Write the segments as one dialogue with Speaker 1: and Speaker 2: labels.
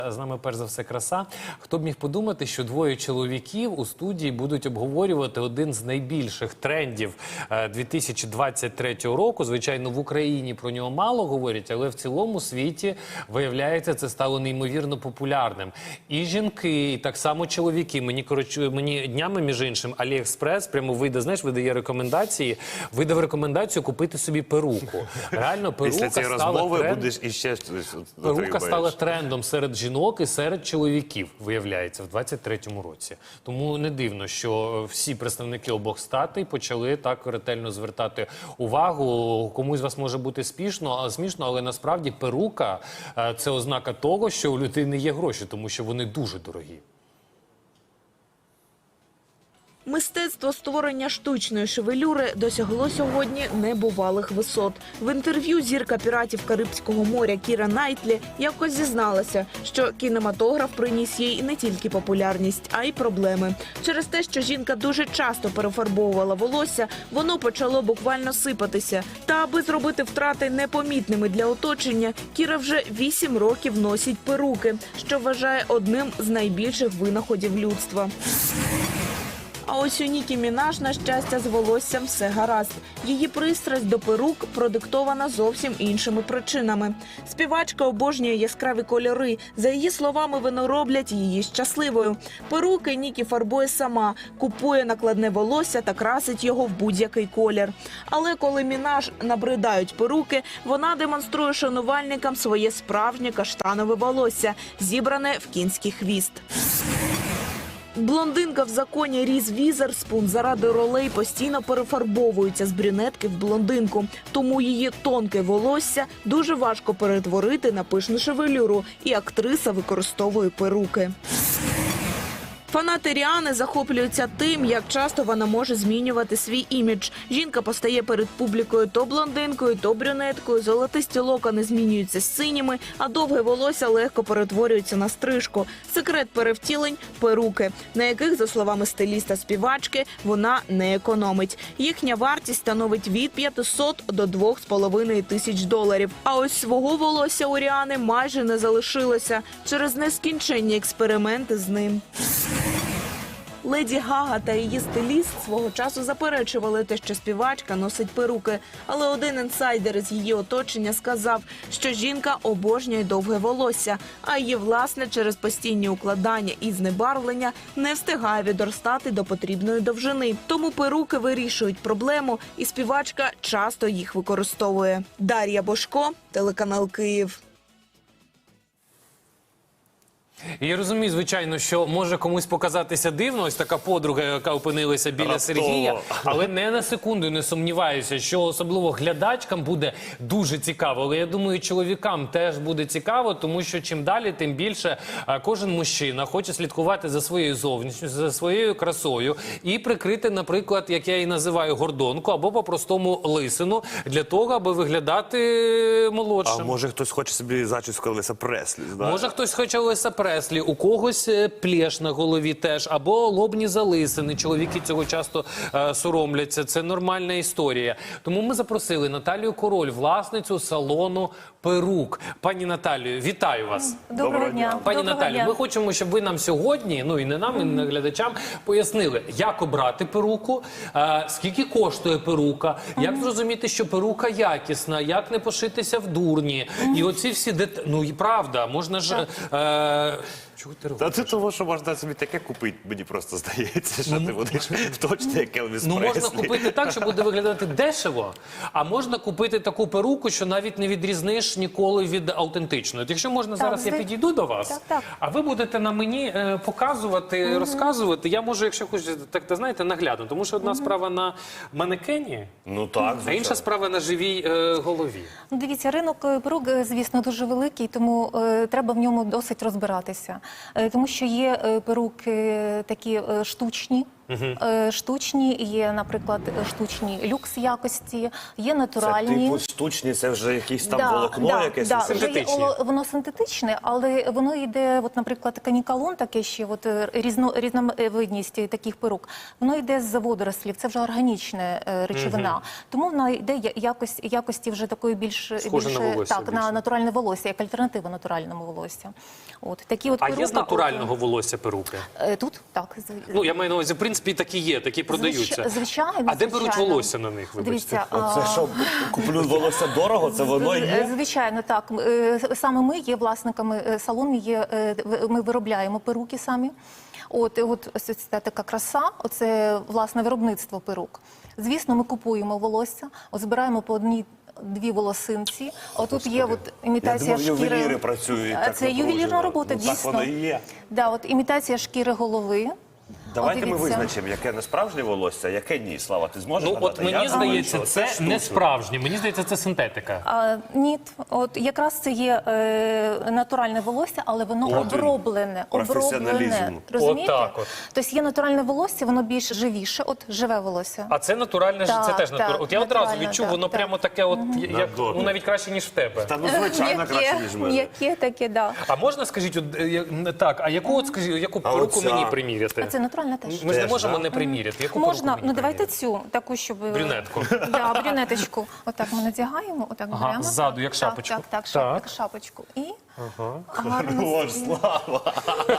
Speaker 1: З нами, перш за все, краса. Хто б міг подумати, що двоє чоловіків у студії будуть обговорювати один з найбільших трендів 2023 року. Звичайно, в Україні про нього мало говорять, але в цілому світі, виявляється, це стало неймовірно популярним. І жінки, і так само чоловіки. Мені днями, між іншим, Аліекспрес прямо видає рекомендації, видав рекомендацію купити собі перуку. Реально, перука стала трендом серед жінок і серед чоловіків, виявляється, в 2023 році. Тому не дивно, що всі представники обох статей почали так ретельно звертати увагу. Комусь з вас може бути смішно, але насправді перука – це ознака того, що у людини є гроші, тому що вони дуже дорогі.
Speaker 2: Мистецтво створення штучної шевелюри досягло сьогодні небувалих висот. В інтерв'ю зірка «Піратів Карибського моря» Кіра Найтлі якось зізналася, що кінематограф приніс їй не тільки популярність, а й проблеми. Через те, що жінка дуже часто перефарбовувала волосся, воно почало буквально сипатися. Та аби зробити втрати непомітними для оточення, Кіра вже 8 років носить перуки, що вважає одним з найбільших винаходів людства. А ось у Нікі Мінаж, на щастя, з волоссям все гаразд. Її пристрасть до перук продиктована зовсім іншими причинами. Співачка обожнює яскраві кольори. За її словами, вони роблять її щасливою. Перуки Нікі фарбує сама, купує накладне волосся та красить його в будь-який колір. Але коли Мінаж набридають перуки, вона демонструє шанувальникам своє справжнє каштанове волосся, зібране в кінський хвіст. Блондинка в законі Різ Візерспун заради ролей постійно перефарбовується з брюнетки в блондинку. Тому її тонке волосся дуже важко перетворити на пишну шевелюру, і актриса використовує перуки. Фанати Ріани захоплюються тим, як часто вона може змінювати свій імідж. Жінка постає перед публікою то блондинкою, то брюнеткою, золотисті локони змінюються синіми, а довге волосся легко перетворюється на стрижку. Секрет перевтілень – перуки, на яких, за словами стиліста-співачки, вона не економить. Їхня вартість становить від 500 до 2,5 тисяч доларів. А ось свого волосся у Ріани майже не залишилося через нескінченні експерименти з ним. Леді Гага та її стиліст свого часу заперечували те, що співачка носить перуки. Але один інсайдер із її оточення сказав, що жінка обожнює довге волосся, а її власне через постійні укладання і знебарвлення не встигає відростати до потрібної довжини. Тому перуки вирішують проблему, і співачка часто їх використовує. Дар'я Бошко, телеканал «Київ».
Speaker 1: І я розумію, звичайно, що може комусь показатися дивно, ось така подруга, яка опинилася біля Сергія, але не на секунду не сумніваюся, що особливо глядачкам буде дуже цікаво. Але я думаю, чоловікам теж буде цікаво, тому що чим далі, тим більше кожен мужчина хоче слідкувати за своєю зовнішністю, за своєю красою і прикрити, наприклад, як я її називаю, гордонку або по-простому лисину, для того, аби виглядати молодшим.
Speaker 3: А може хтось хоче собі зачіску Елвіса Преслі?
Speaker 1: Може хтось хоче Елвіса Преслі, у когось плєш на голові теж, або лобні залисини. Чоловіки цього часто соромляться. Це нормальна історія. Тому ми запросили Наталію Король, власницю салону перук. Пані Наталію, вітаю вас.
Speaker 4: Доброго дня.
Speaker 1: Пані Наталію, ми хочемо, щоб ви нам сьогодні, ну і не нам, і не глядачам, пояснили, як обрати перуку, скільки коштує перука, як зрозуміти, що перука якісна, як не пошитися в дурні. І оці всі деталі. Ну і правда, можна ж... Чого ти робиш?
Speaker 3: Та це того, що можна собі таке купити, мені просто здається, що ти будеш точно як Елвіс Преслі.
Speaker 1: Можна купити так, що буде виглядати дешево, а можна купити таку перуку, що навіть не відрізниш ніколи від автентичної. Якщо можна, зараз я підійду до вас, а ви будете на мені показувати, розказувати. Я можу, якщо хочете, так, знаєте, наглядно. Тому що одна справа на манекені,
Speaker 3: ну, так,
Speaker 1: а інша справа на живій голові.
Speaker 4: Дивіться, ринок перук, звісно, дуже великий, тому треба в ньому досить розбиратися. Тому що є перуки такі штучні, Штучні, є, наприклад, штучні люкс якості, є
Speaker 3: Це
Speaker 4: натуральні.
Speaker 3: типу штучні, це вже якийсь там волокно якесь?
Speaker 4: Да, вже є
Speaker 1: Синтетичні.
Speaker 4: воно синтетичне, але воно йде, от, наприклад, канікалон, таке ще, от, різновидність таких перук, воно йде з водорослів, це вже органічна речовина. Тому вона йде якості вже такої більш
Speaker 1: Схоже на волосся
Speaker 4: так,
Speaker 1: більше.
Speaker 4: на натуральне волосся, як альтернатива натуральному волосся. От, такі от
Speaker 1: А є
Speaker 4: перука,
Speaker 1: з натурального волосся перуки?
Speaker 4: Тут, так.
Speaker 1: Ну, я маю на увазі, в принципі, такі є, такі продаються.
Speaker 4: Звичайно,
Speaker 1: А де беруть
Speaker 4: звичайно.
Speaker 1: волосся на них, вибачте?
Speaker 4: Дивіться,
Speaker 3: Це що, куплю волосся дорого, це воно і є?
Speaker 4: Звичайно, так. Саме ми є власниками салону, ми виробляємо перуки самі. От ось це така краса, оце власне виробництво перук. Звісно, ми купуємо волосся, от збираємо по одній-дві волосинці. Отут є от
Speaker 3: Я
Speaker 4: імітація
Speaker 3: думав,
Speaker 4: шкіри.
Speaker 3: ювеліри працюють так
Speaker 4: Це ювелірна
Speaker 3: напружено.
Speaker 4: робота,
Speaker 3: Ну, так
Speaker 4: дійсно.
Speaker 3: воно і є.
Speaker 4: Да, от імітація шкіри голови.
Speaker 3: Давайте ми
Speaker 4: дивіться.
Speaker 3: визначимо, яке не справжнє волосся, а яке ні. Слава, ти зможеш
Speaker 1: Ну,
Speaker 3: гадати?
Speaker 1: от мені
Speaker 3: Я думаю,
Speaker 1: здається,
Speaker 3: що
Speaker 1: це
Speaker 3: штучне.
Speaker 1: не справжнє. Мені здається, це синтетика.
Speaker 4: Ні, от якраз це є натуральне волосся, але воно
Speaker 3: От він,
Speaker 4: оброблене.
Speaker 3: професіоналізм.
Speaker 4: Розумієте?
Speaker 1: Отак от.
Speaker 4: Тобто є натуральне волосся, воно більш живіше, от живе волосся.
Speaker 1: А це натуральне,
Speaker 4: Так,
Speaker 1: це теж
Speaker 4: так,
Speaker 1: натуральне. От я одразу
Speaker 4: натуральне,
Speaker 1: відчув,
Speaker 4: так,
Speaker 1: воно
Speaker 4: так.
Speaker 1: прямо таке, от, як,
Speaker 3: Надобне.
Speaker 1: ну, навіть краще, ніж в тебе.
Speaker 3: Та ну, звичайно, краще, ніж в мене.
Speaker 4: М'яке таке, да.
Speaker 1: А можна, скажіть, от, так, а яку, от, скажіть, яку
Speaker 3: А
Speaker 1: перуку
Speaker 3: оця?
Speaker 1: мені приміряти?
Speaker 4: А це натуральне теж.
Speaker 1: Ми ж не
Speaker 3: Теж,
Speaker 1: можемо
Speaker 3: да?
Speaker 1: не приміряти. Яку
Speaker 4: Можна,
Speaker 1: перуку мені
Speaker 4: ну давайте
Speaker 1: приміряти?
Speaker 4: цю, таку, щоб...
Speaker 1: Брюнетку.
Speaker 4: Да, брюнеточку. Отак ми надягаємо, отак
Speaker 1: Ага,
Speaker 4: беремо.
Speaker 1: ззаду, як шапочку.
Speaker 4: Так,
Speaker 1: Так.
Speaker 4: як шапочку. І гарно.
Speaker 3: Хорош, Слава.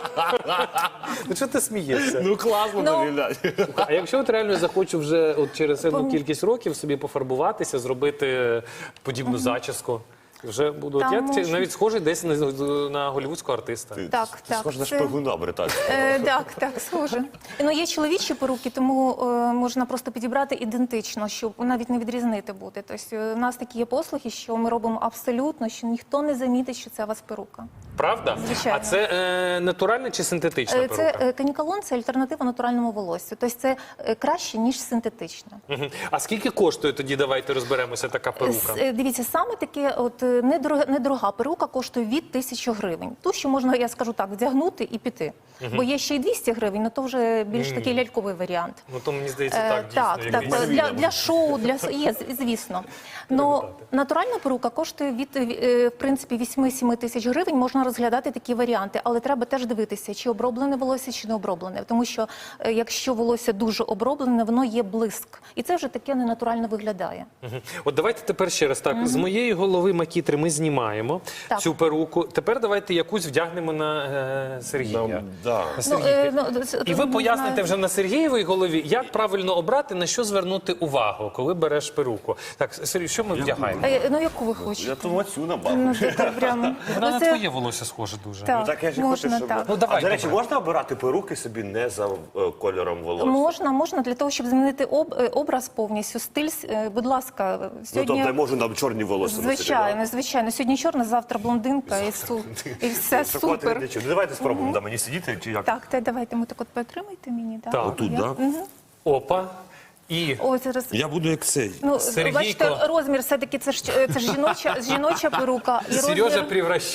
Speaker 1: Ну, чого ти смієшся?
Speaker 3: Ну класно
Speaker 4: Ну,
Speaker 3: виглядає.
Speaker 1: А якщо от реально захочу вже от через певну кількість років собі пофарбуватися, зробити подібну зачіску, вже буду. От
Speaker 4: Там
Speaker 1: я
Speaker 4: можна.
Speaker 1: навіть схожий десь на голівудського артиста.
Speaker 4: Так,
Speaker 3: Ти схож на
Speaker 4: це-
Speaker 3: шпигуна британського.
Speaker 4: Так, схоже. Ну, є чоловічі перуки, тому можна просто підібрати ідентично, щоб навіть не відрізнити буде. Тобто у нас такі є послуги, що ми робимо абсолютно, що ніхто не замітить, що це у вас перука.
Speaker 1: Правда?
Speaker 4: Звичайно.
Speaker 1: А це натуральна чи синтетична перука?
Speaker 4: Це канікалон, це альтернатива натуральному волоссю. Тобто це краще, ніж синтетична.
Speaker 1: Мгм. А скільки коштує тоді, давайте розберемося, така перука?
Speaker 4: Дивіться, саме таке от недорога перука коштує від 1000 гривень. Ту, що можна, я скажу так, вдягнути і піти. Бо є ще й 200 гривень, але то вже більш такий ляльковий варіант.
Speaker 1: Ну, то мені здається, так, дійсно.
Speaker 4: Так,
Speaker 1: якийсь-
Speaker 4: для шоу, є, звісно. Но натуральна перука коштує від, в принципі, 8-7 тисяч гривень. Можна розглядати такі варіанти, але треба теж дивитися, чи оброблене волосся, чи не оброблене. Тому що якщо волосся дуже оброблене, воно є блиск. І це вже таке ненатурально виглядає.
Speaker 1: Мгм. От давайте тепер ще раз так. З моєї голови макітри ми знімаємо
Speaker 4: Так.
Speaker 1: цю перуку. Тепер давайте якусь вдягнемо на Сергія.
Speaker 3: Да.
Speaker 1: На Сергійки. І ви
Speaker 4: не
Speaker 1: поясните
Speaker 4: знаю.
Speaker 1: вже на Сергієвій голові, як правильно обрати, на що звернути увагу, коли береш перуку. Так, Сергій, що ми вдягаємо?
Speaker 4: Ну, яку ви хочете?
Speaker 3: Я тому цю набав.
Speaker 4: Ну, так прямо.
Speaker 1: Вона на
Speaker 4: це-
Speaker 1: твоє волосся схоже дуже.
Speaker 4: Так,
Speaker 3: Ну так я ж і
Speaker 4: можна
Speaker 3: хочу, щоб...
Speaker 4: так.
Speaker 1: Ну, давай,
Speaker 3: А, до речі,
Speaker 1: давай.
Speaker 3: можна обирати перуки собі не за кольором волосся?
Speaker 4: Можна, для того, щоб змінити образ повністю, стиль, будь ласка,
Speaker 3: Ну,
Speaker 4: сьогодні...
Speaker 3: тобто я можу нам чорні волосся носити,
Speaker 4: Звичайно. Сьогодні чорна, завтра блондинка і все
Speaker 3: да?
Speaker 4: супер.
Speaker 3: Ну, давайте спробуємо, да, мені сидіти чи як?
Speaker 4: Так, давайте ми так от потримайте мені. Да?
Speaker 1: Так.
Speaker 3: Отут,
Speaker 4: Я-
Speaker 3: да?
Speaker 4: Мгм.
Speaker 1: Опа. І
Speaker 4: Ой, зараз...
Speaker 3: Я буду як цей.
Speaker 4: Ну,
Speaker 1: Сергійко.
Speaker 4: бачите, розмір все-таки це ж жіноча перука. І
Speaker 1: Сережа
Speaker 4: розмір...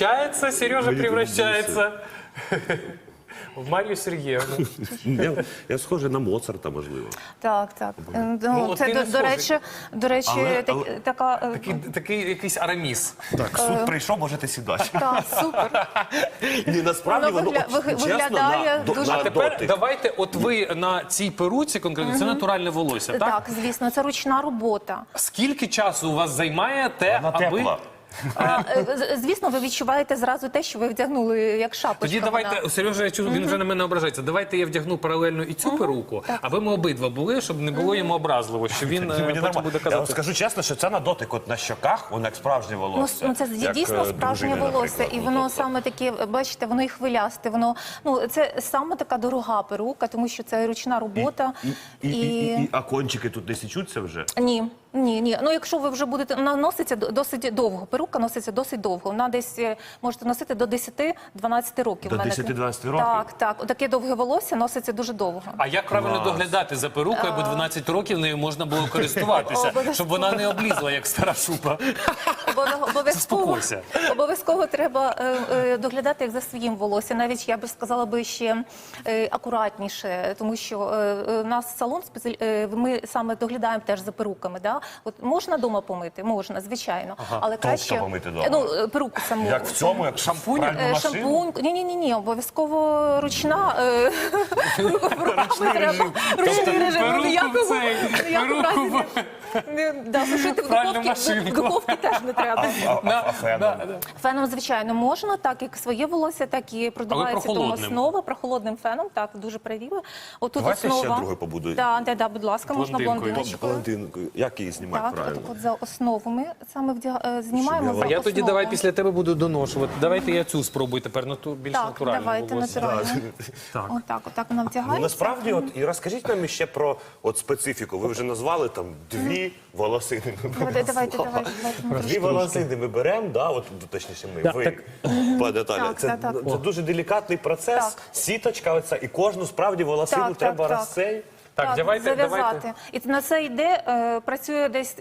Speaker 1: превращається в Марію Сергіївну.
Speaker 3: Я схожий на Моцарта, можливо.
Speaker 4: Так. Ну,
Speaker 1: от ти не
Speaker 4: це, до речі,
Speaker 3: Але-
Speaker 4: така...
Speaker 1: Такий якийсь араміс.
Speaker 3: Так, суд прийшов, можете сідати.
Speaker 4: Так, супер.
Speaker 3: Ні, насправді
Speaker 4: Воно
Speaker 3: воно от, чесно,
Speaker 4: виглядає дуже-
Speaker 1: А
Speaker 3: на
Speaker 1: тепер
Speaker 3: дотик.
Speaker 1: давайте, от ви на цій перуці конкретно, це натуральне волосся, так?
Speaker 4: Так, звісно, це ручна робота.
Speaker 1: Скільки часу у вас займає те,
Speaker 3: Вона
Speaker 1: аби...
Speaker 3: тепла.
Speaker 4: Звісно, ви відчуваєте зразу те, що ви вдягнули як шапочка.
Speaker 1: Тоді давайте,
Speaker 4: вона.
Speaker 1: Сережа, я чую, він вже на мене ображається. Давайте я вдягну паралельно і цю перуку, аби ми обидва були, щоб не було йому образливо, що він
Speaker 3: Мені
Speaker 1: потім
Speaker 3: нормально.
Speaker 1: буде
Speaker 3: Я вам
Speaker 1: казати.
Speaker 3: скажу чесно, що це на дотик, от на щоках, воно як справжнє волосся.
Speaker 4: Ну, це
Speaker 3: Як,
Speaker 4: дійсно справжнє
Speaker 3: дружини,
Speaker 4: волосся,
Speaker 3: наприклад.
Speaker 4: і
Speaker 3: Ну,
Speaker 4: воно
Speaker 3: тобто.
Speaker 4: саме таке, бачите, воно і хвилясте, це саме така дорога перука, тому що це ручна робота.
Speaker 3: І кончики тут не січуться вже?
Speaker 4: Ні, Ні. Ну, якщо ви вже будете, вона носиться досить довго. Перука носиться досить довго. Вона десь можете носити до 10-12 років.
Speaker 3: До
Speaker 4: в мене.
Speaker 3: 10-12 років?
Speaker 4: Так. Таке довге волосся носиться дуже довго.
Speaker 1: А як правильно доглядати за перукою, бо 12 років нею можна було користуватися, щоб вона не облізла, як стара шуба? Заспокойся.
Speaker 4: Обов'язково треба доглядати як за своїм волоссям. Навіть я би сказала ще акуратніше, тому що у нас салон, ми саме доглядаємо теж за перуками. Да? От можна вдома помити? Можна, звісно. Але краще
Speaker 3: помити вдома?
Speaker 4: Ну, перуку саму.
Speaker 3: Як в цьому, як
Speaker 1: Шампунь?
Speaker 4: Шампунь. Ні, обов'язково ручна. Руками треба. Ручний режим.
Speaker 1: Перуку
Speaker 4: Сушити в духовці теж не треба.
Speaker 3: А феном?
Speaker 4: Феном, звичайно, можна, так як своє волосся, так і продувається тому
Speaker 1: прохолодним?
Speaker 4: основа, прохолодним феном, так, дуже правильно. Отут
Speaker 3: Давайте
Speaker 4: основа.
Speaker 3: ще другу побудую.
Speaker 4: Так, будь ласка, можна
Speaker 1: Блондинкою.
Speaker 4: блондиночкою.
Speaker 3: Блондинкою. Як її знімати
Speaker 4: Так,
Speaker 3: правильно?
Speaker 4: от за основу ми саме знімаємо за
Speaker 1: А я тоді
Speaker 4: основу.
Speaker 1: давай після тебе буду доношувати. Давайте я цю спробую тепер, більш
Speaker 4: Так,
Speaker 1: натурально.
Speaker 4: давайте натурально. Отак вона
Speaker 3: Ну,
Speaker 4: вдягається.
Speaker 3: насправді, і розкажіть нам ще про специфіку. Ви вже назвали там дві волосини.
Speaker 4: Давайте.
Speaker 3: Дві волосини ми беремо, точніше ми, ви, пане Наталя.
Speaker 4: Так.
Speaker 3: Це дуже делікатний процес,
Speaker 4: Так.
Speaker 3: сіточка оця, і кожну справді волосину
Speaker 4: Так,
Speaker 3: треба
Speaker 4: так.
Speaker 3: розсей.
Speaker 1: Так, давайте.
Speaker 4: зав'язати. І на це йде, працює десь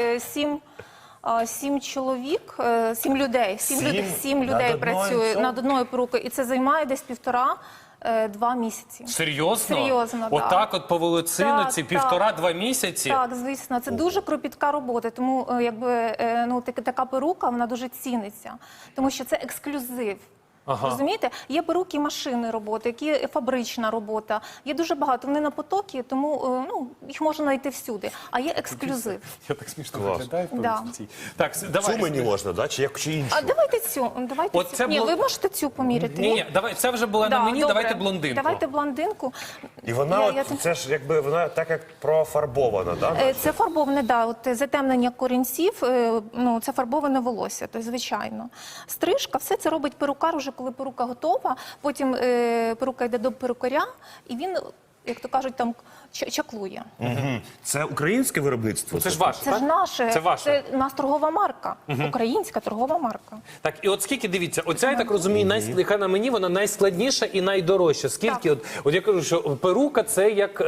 Speaker 4: 7 чоловік, 7 людей. Сім
Speaker 3: над
Speaker 4: людей
Speaker 3: одною
Speaker 4: працює
Speaker 3: цьому?
Speaker 4: над одною перукою. І це займає десь 1,5-2 місяці.
Speaker 1: Серйозно?
Speaker 4: Серйозно, так.
Speaker 1: Отак от по волоциниці
Speaker 4: Так,
Speaker 1: 1,5-2 місяці?
Speaker 4: Так, звісно, це дуже кропітка робота, тому така перука, вона дуже ціниться, тому що це ексклюзив. Розумієте? Є перуки машини роботи, є фабрична робота, є дуже багато. Вони на потокі, тому їх можна знайти всюди. А є ексклюзив.
Speaker 1: Я так смішно
Speaker 3: Клас.
Speaker 1: виглядаю в
Speaker 4: Да.
Speaker 1: полиці. Так, давай.
Speaker 3: Цю мені можна, да? Чи іншу?
Speaker 4: А давайте цю.
Speaker 1: От це
Speaker 4: Ні,
Speaker 1: було-
Speaker 4: ви можете цю поміряти.
Speaker 1: Ні, давай, це вже була на мені,
Speaker 4: добре.
Speaker 1: давайте блондинку.
Speaker 4: Давайте блондинку.
Speaker 3: І вона, це ж якби, вона так як профарбована, да?
Speaker 4: Це фарбоване, от затемнення корінців, це фарбоване волосся, то звичайно. Стрижка, все це робить перукар, уже коли перука готова, потім перука йде до перукаря, і він, як то кажуть, там чаклує.
Speaker 3: Це українське виробництво?
Speaker 1: Це ж ваше,
Speaker 4: Це
Speaker 1: так?
Speaker 4: ж наше,
Speaker 1: Це ваше.
Speaker 4: це у нас торгова марка, українська торгова марка.
Speaker 1: Так, і от скільки, дивіться, оця, я так розумію, яка на мені, вона найскладніша і найдорожча. Скільки, от я кажу, що перука це як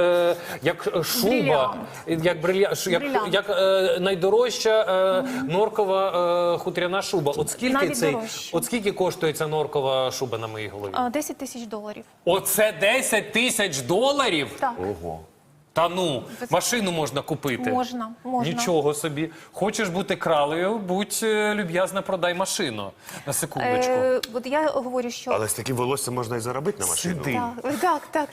Speaker 1: шуба,
Speaker 4: Брилянт.
Speaker 1: як найдорожча норкова хутряна шуба. От скільки,
Speaker 4: Навіть дорожче.
Speaker 1: от скільки коштує ця норкова шуба на моїй голові?
Speaker 4: $10 тисяч.
Speaker 1: Оце $10 тисяч?
Speaker 4: Так,
Speaker 3: Ого.
Speaker 1: Та ну, машину можна купити.
Speaker 4: можна.
Speaker 1: Нічого собі. Хочеш бути кралею, будь люб'язна, продай машину. На секундочку.
Speaker 4: От я говорю, що...
Speaker 3: Але з таким волоссям можна і заробити на машину.
Speaker 1: Сиди.
Speaker 4: Так.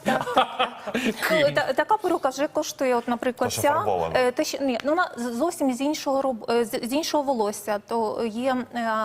Speaker 4: Така перука вже коштує, от, наприклад,
Speaker 3: Та, що
Speaker 4: ця.
Speaker 3: фарбована.
Speaker 4: Вона зовсім з іншого волосся. То є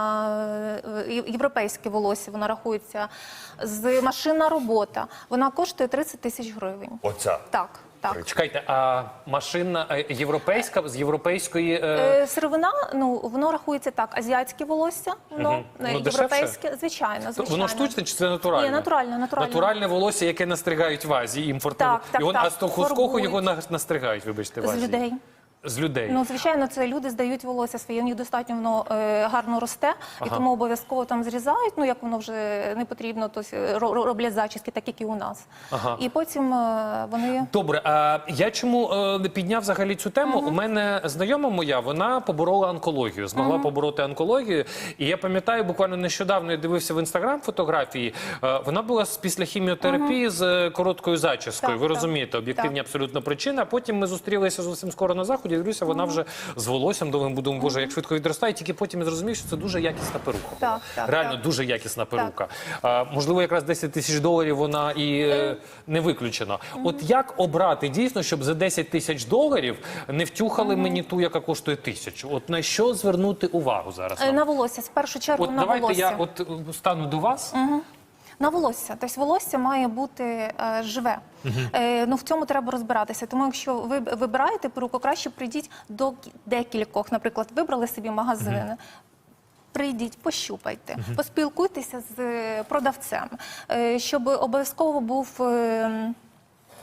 Speaker 4: європейське волосся, вона рахується, машинна робота. Вона коштує $30 тисяч.
Speaker 3: Оця.
Speaker 4: Так.
Speaker 1: Чекайте, а машина європейська, з європейської...
Speaker 4: Сировина, воно рахується так, азіатське волосся, воно європейське, звичайно.
Speaker 1: Воно штучне чи це натуральне?
Speaker 4: Ні, натуральне.
Speaker 1: Натуральне волосся, яке настригають в Азії, імпортне.
Speaker 4: Так,
Speaker 1: А з того скоху
Speaker 4: фарбують.
Speaker 1: його настригають, вибачте, в
Speaker 4: З
Speaker 1: Азії.
Speaker 4: людей.
Speaker 1: З людей.
Speaker 4: Звичайно, це люди здають волосся своє, у них достатньо воно гарно росте, і тому обов'язково там зрізають, як воно вже не потрібно, то роблять зачіски, так як і у нас. І потім вони...
Speaker 1: Добре, а я чому підняв взагалі цю тему? У мене знайома моя, вона поборола онкологію, змогла побороти онкологію. І я пам'ятаю, буквально нещодавно я дивився в Інстаграм фотографії, вона була після хіміотерапії з короткою зачіскою. Ви розумієте, об'єктивні абсолютно причини. А потім ми зустрілися зовсім скоро на заході, дивлюся, вона вже з волоссям довгим, думаю, боже, як швидко відростає, тільки потім я зрозумів, що це дуже якісна перука. Реально дуже якісна перука. Можливо, якраз $10 тисяч вона і не виключена. От як обрати дійсно, щоб за $10 тисяч не втюхали мені ту, яка коштує 1000? От на що звернути увагу зараз?
Speaker 4: На волосся, в першу чергу
Speaker 1: От
Speaker 4: на
Speaker 1: давайте
Speaker 4: волосся.
Speaker 1: я стану до вас.
Speaker 4: На волосся. Тобто волосся має бути живе. В цьому треба розбиратися. Тому якщо ви вибираєте перуку, краще прийдіть до декількох. Наприклад, вибрали собі магазини. Прийдіть, пощупайте, поспілкуйтеся з продавцем, щоб обов'язково був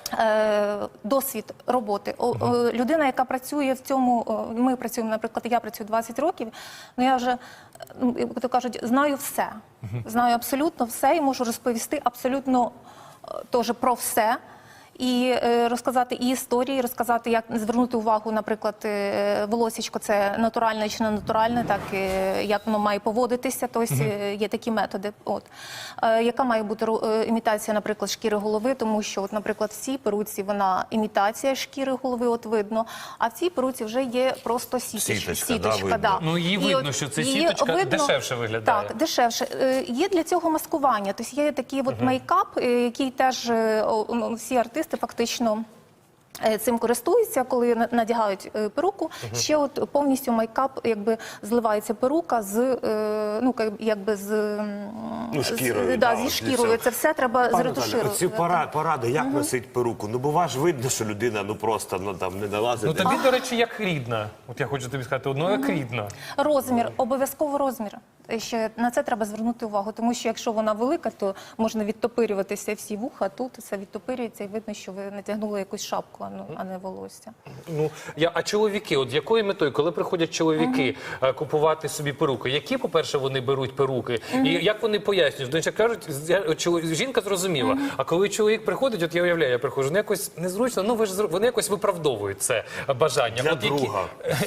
Speaker 4: досвід роботи. Людина, яка працює в цьому, ми працюємо, наприклад, я працюю 20 років, я вже, як то кажуть, знаю все. Знаю абсолютно все і можу розповісти абсолютно теж про все. І розказати і історії, розказати, як звернути увагу, наприклад, волосічко, це натуральне чи не натуральне, так, як воно має поводитися, тобто є такі методи. Яка має бути імітація, наприклад, шкіри голови, тому що, наприклад, в цій перуці вона імітація шкіри голови, видно, а в цій перуці вже є просто сіточка.
Speaker 3: Да.
Speaker 1: Ну, її видно, що це сіточка дешевше виглядає.
Speaker 4: Так, дешевше. Є для цього маскування, тобто є такий мейкап, який теж всі артисти фактично цим користуються, коли надягають перуку. Ще от повністю мейкап, якби зливається перука з,
Speaker 3: шкірою.
Speaker 4: зі шкірою. Це все треба зретушувати.
Speaker 3: Ці поради, як носить перуку? Ну, бува ж видно, що людина просто там не налазить.
Speaker 1: Ну тобі, до речі, як рідна. От я хочу тобі сказати, як рідна.
Speaker 4: Розмір, обов'язково розмір. Ще на це треба звернути увагу, тому що якщо вона велика, то можна відтопирюватися всі вуха, а тут все відтопирюється і видно, що ви натягнули якусь шапку, а не волосся.
Speaker 1: Ну, а чоловіки, от з якою метою, коли приходять чоловіки купувати собі перуки, які, по-перше, вони беруть перуки, і як вони пояснюють? Тому що кажуть, жінка зрозуміла, а коли чоловік приходить, от я уявляю, я приходжу, якось незручно, вони якось виправдовують це бажання.
Speaker 3: Для друга.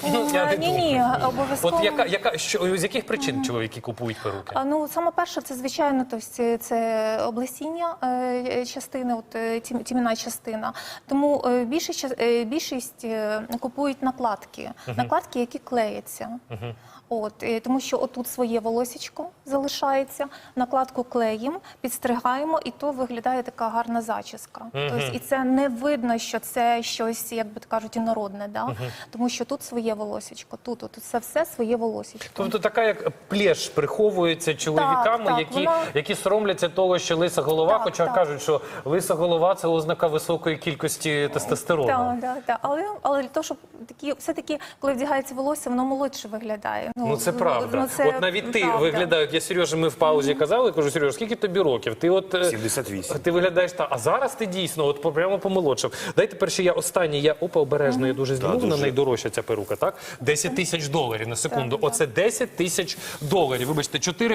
Speaker 4: Ні, обов'язково.
Speaker 1: От з яких причин чоловіки купують перуки?
Speaker 4: Ну, саме перше, це, звичайно, це облесіння частини, тім'яна частина. Тому більшість купують накладки, які клеяться. Тому що отут своє волосічко залишається, накладку клеїмо, підстригаємо, і то виглядає така гарна зачіска. І це не видно, що це щось, як би кажуть, інородне, тому що тут своє волосічко, тут це все своє волосічко.
Speaker 1: Тобто така як плєш приховується чоловіками, які соромляться того, що лиса голова, хоча кажуть, що лиса голова – це ознака високої кількості тестостерону.
Speaker 4: Так. Але для того, щоб все-таки, коли вдягається волосся, воно молодше виглядає.
Speaker 1: Ну, це правда. От навіть ти виглядаєш, я Сережа, ми в паузі казали, кажу, Сережа, скільки тобі років? Ти
Speaker 3: 78.
Speaker 1: Ти виглядаєш так, а зараз ти дійсно прямо помолодшав. Дайте перше, я останній, обережно, я дуже зніму, вона найдорожча ця перука, так? $10 000 на секунду. Оце $10 000. Вибачте, 4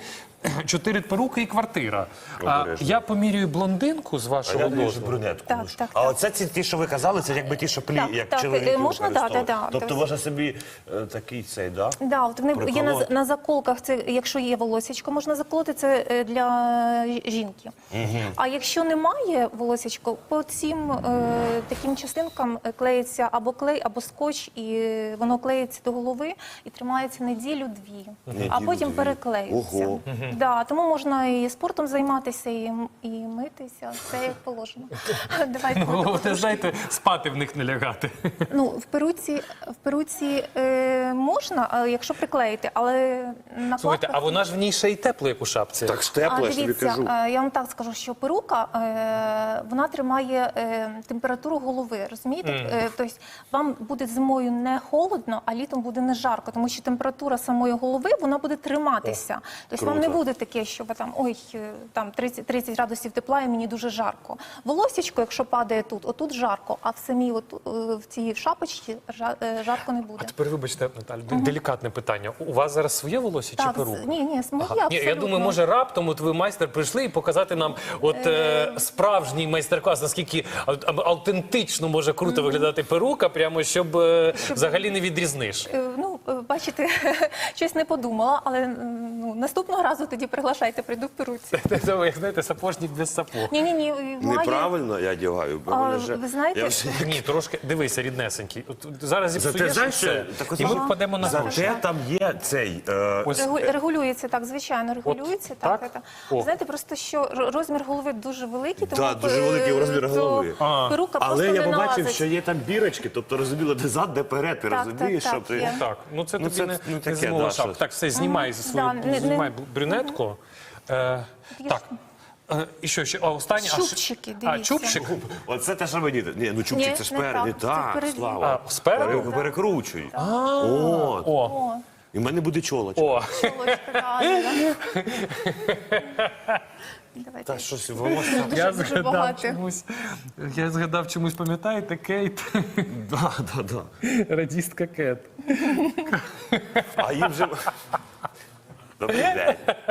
Speaker 1: перуки і квартира. Я помірюю блондинку з вашого дозволу.
Speaker 3: Брюнетку. А оце ті, що ви казали, це якби ті, що як чоловіки використовують. Тобто можна собі такий цей, так?
Speaker 4: Вони є на заколках, це якщо є волосечко, можна заколоти, це для жінки. А якщо немає волосечко, по цим таким частинкам клеїться або клей, або скотч, і воно клеїться до голови і тримається неділю-дві, а потім переклеюється. Тому можна і спортом займатися, і митися, все як положено.
Speaker 1: Головне, знаєте, спати в них не лягати.
Speaker 4: Ну, в перуці можна, якщо приклеїти, але накладка...
Speaker 1: Слухайте, а вона ж в ній ще й тепло, як у шапці.
Speaker 3: Так ж тепло, я тобі кажу.
Speaker 4: Я вам так скажу, що перука, вона тримає температуру голови, розумієте? Тобто вам буде зимою не холодно, а літом буде не жарко, тому що температура самої голови, вона буде триматися. Тобто вам не буде таке, що ви там 30 градусів тепла і мені дуже жарко. Волосечко, якщо падає тут, отут жарко, а в самій в цій шапочці жарко не буде.
Speaker 1: А тепер, вибачте, Наталю, делікатне питання. У вас зараз своє волосся чи перука?
Speaker 4: Ні, моє абсолютно.
Speaker 1: Я думаю, може раптом ви, майстер, прийшли і показати нам справжній майстер-клас, наскільки автентично може круто виглядати перука, прямо щоб взагалі не відрізниш.
Speaker 4: Ну, бачите, щось не подумала, але наступного разу тоді приглашайте, прийду в перуці.
Speaker 1: Це, як знаєте, сапожник без сапог.
Speaker 4: Ні.
Speaker 3: Неправильно я одягаю.
Speaker 4: Ви знаєте...
Speaker 1: Ні, трошки, дивися, ріднесенький. Зараз зіпсуєш все, і ми впадемо на гроші.
Speaker 3: Зате там є цей...
Speaker 4: Регулюється, так, звичайно, регулюється. Так. Знаєте, просто що розмір голови дуже великий, тому
Speaker 3: дуже великий розмір голови.
Speaker 4: Перука просто
Speaker 3: Але
Speaker 4: не
Speaker 3: я побачив,
Speaker 4: налазить.
Speaker 3: що є там бірочки, тобто розуміло, де зад, де перед, ти розумієш, що ти...
Speaker 4: є.
Speaker 1: Так, ну це тобі не
Speaker 3: таке,
Speaker 1: зимова
Speaker 3: да,
Speaker 1: шапка.
Speaker 3: що-
Speaker 1: Так, все, знімай знімай брюнетку. Так. І що ще? Останнє.
Speaker 4: Чубчики, дивіться.
Speaker 1: Чубчик?
Speaker 3: Оце те, що мені... Ні, ну чубчик,
Speaker 4: Ні,
Speaker 3: це ж
Speaker 4: не
Speaker 3: спереду.
Speaker 4: так, це
Speaker 3: Так,
Speaker 4: впереді.
Speaker 3: Слава.
Speaker 1: Спереду?
Speaker 3: Перекручуй.
Speaker 1: О.
Speaker 3: І в мене буде чолочка.
Speaker 1: О,
Speaker 4: Чолочка, Давайте.
Speaker 3: Та щось волосся.
Speaker 4: Дуже багато.
Speaker 1: Я згадав чомусь, пам'ятаєте, Кейт?
Speaker 3: Да.
Speaker 1: Радістка Кет.
Speaker 3: А їм вже... Добрий день.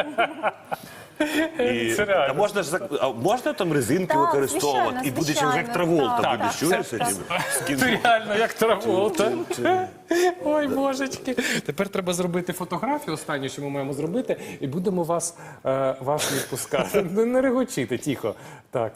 Speaker 3: І,
Speaker 1: Це реально.
Speaker 3: а можна там резинки
Speaker 4: Так,
Speaker 3: використовувати?
Speaker 4: звичайно,
Speaker 3: І буде як
Speaker 4: звичайно.
Speaker 3: Траволта,
Speaker 4: Так,
Speaker 3: будеш,
Speaker 4: так,
Speaker 3: чуєш?
Speaker 4: так,
Speaker 1: Ти реально як Траволта. Ой, божечки. Тепер треба зробити фотографію, останню, що ми маємо зробити, і будемо вас відпускати. Не регочіте, тихо. Так,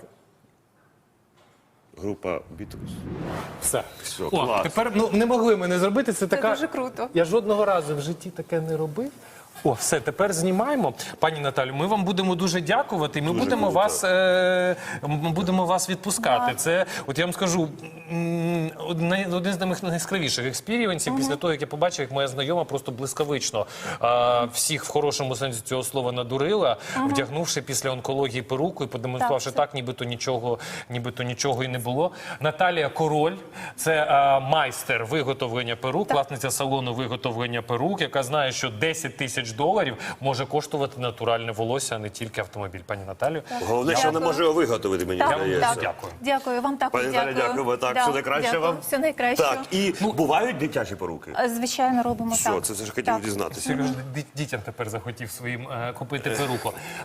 Speaker 3: Група Бітрус.
Speaker 1: все.
Speaker 3: Все,
Speaker 1: О,
Speaker 3: клас.
Speaker 1: тепер не могли ми не зробити. Це така...
Speaker 4: дуже круто.
Speaker 1: Я жодного разу в житті таке не робив. О, все, тепер знімаємо. Пані Наталю, ми вам будемо дуже дякувати. Ми будемо вас відпускати. Це, от я вам скажу, один з найяскравіших експірієнсів після того, як я побачив, як моя знайома просто блискавично всіх в хорошому сенсі цього слова надурила, вдягнувши після онкології перуку і продемонструвавши так, нібито нічого і не було. Наталія Король, це майстер виготовлення перук, власниця салону виготовлення перук, яка знає, що 10 тисяч доларів може коштувати натуральне волосся, а не тільки автомобіль. Пані Наталю.
Speaker 3: Головне, що вона може його виготовити, мені здається.
Speaker 1: Дякую.
Speaker 4: Дякую, вам також
Speaker 3: Пані Наталі, дякуємо. Так,
Speaker 4: Да,
Speaker 3: все найкраще
Speaker 4: дякую.
Speaker 3: вам.
Speaker 4: Все найкраще.
Speaker 3: Так, і бувають дитячі поруки?
Speaker 4: Звичайно, робимо
Speaker 3: Все,
Speaker 4: так.
Speaker 3: це ж хотів
Speaker 4: Так.
Speaker 3: дізнатися.
Speaker 1: Сереж, дітям тепер захотів своїм купити перуку.